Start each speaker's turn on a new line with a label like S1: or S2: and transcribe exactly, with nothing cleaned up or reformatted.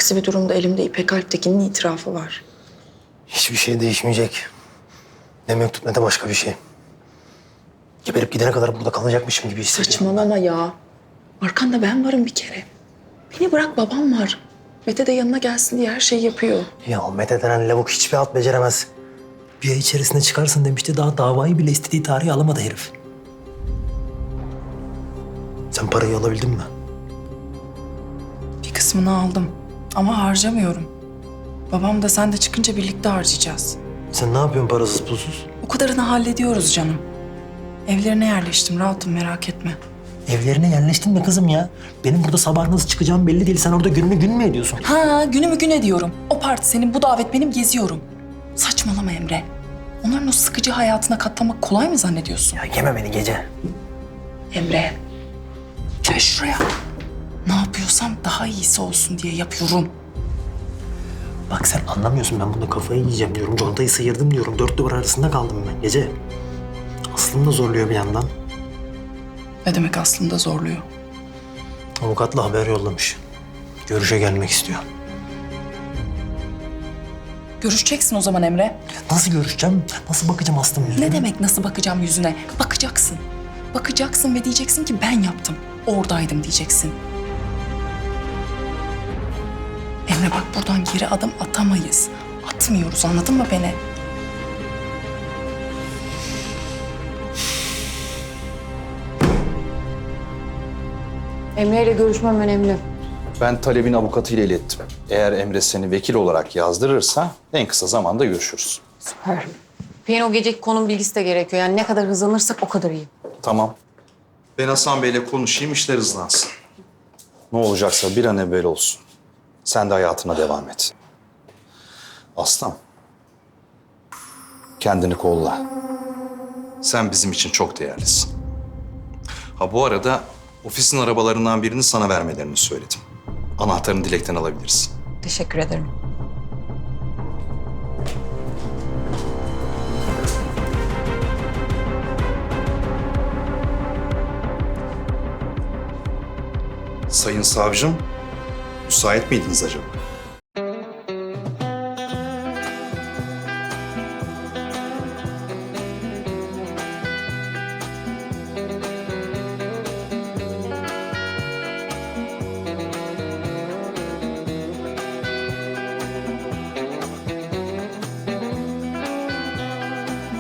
S1: Aksi bir durumda elimde İpek Alptekin'in itirafı var.
S2: Hiçbir şey değişmeyecek. Ne mektup ne de başka bir şey. Geberip gidene kadar burada kalacakmışım gibi hissediyorum.
S1: Saçmalama ya. Arkanda ben varım bir kere. Beni bırak, babam var. Mete de yanına gelsin diye her şeyi yapıyor.
S2: Ya Mete denen lavuk hiçbir alt beceremez. Bir ay içerisinde çıkarsın demişti. Daha davayı bile istediği tarihi alamadı herif. Sen parayı alabildin mi?
S1: Bir kısmını aldım ama harcamıyorum. Babam da sen de çıkınca birlikte harcayacağız.
S2: Sen ne yapıyorsun parasız pulsuz?
S1: O kadarını hallediyoruz canım. Evlerine yerleştim, rahatım, merak etme.
S2: Evlerine yerleştin mi kızım ya? Benim burada sabah nasıl çıkacağım belli değil. Sen orada gününü gün mü ediyorsun?
S1: Ha, günümü gün ediyorum. O parti senin, bu davet benim, geziyorum. Saçmalama Emre. Onların o sıkıcı hayatına katlanmak kolay mı zannediyorsun?
S2: Ya yeme beni gece.
S1: Emre, gel şuraya. Ne yapıyorsam daha iyisi olsun diye yapıyorum.
S2: Bak sen anlamıyorsun, ben bunda kafayı yiyeceğim diyorum. Contayı sıyırdım diyorum. Dört duvar arasında kaldım ben gece. Aslım da zorluyor bir yandan.
S1: Ne demek aslında zorluyor?
S2: Avukatla haber yollamış. Görüşe gelmek istiyor.
S1: Görüşeceksin o zaman Emre.
S2: Nasıl görüşeceğim? Nasıl bakacağım Aslım yüzüne?
S1: Ne demek nasıl bakacağım yüzüne? Bakacaksın. Bakacaksın ve diyeceksin ki ben yaptım. Oradaydım diyeceksin. Emre bak, buradan geri adım atamayız. Atmıyoruz, anladın mı beni?
S3: Emre ile görüşmem önemli.
S4: Ben talebin avukatıyla ilettim. Eğer Emre seni vekil olarak yazdırırsa en kısa zamanda görüşürüz.
S3: Süper. İpek'in o geceki konum bilgisi de gerekiyor. Yani ne kadar hızlanırsak o kadar iyi.
S4: Tamam. Ben Hasan Bey'le konuşayım, işler hızlansın. Ne olacaksa bir an evvel olsun. Sen de hayatına devam et. Aslan. Kendini kolla. Sen bizim için çok değerlisin. Ha bu arada ofisin arabalarından birini sana vermelerini söyledim. Anahtarını Dilek'ten alabilirsin.
S3: Teşekkür ederim.
S4: Sayın savcım, müsait miydiniz acaba?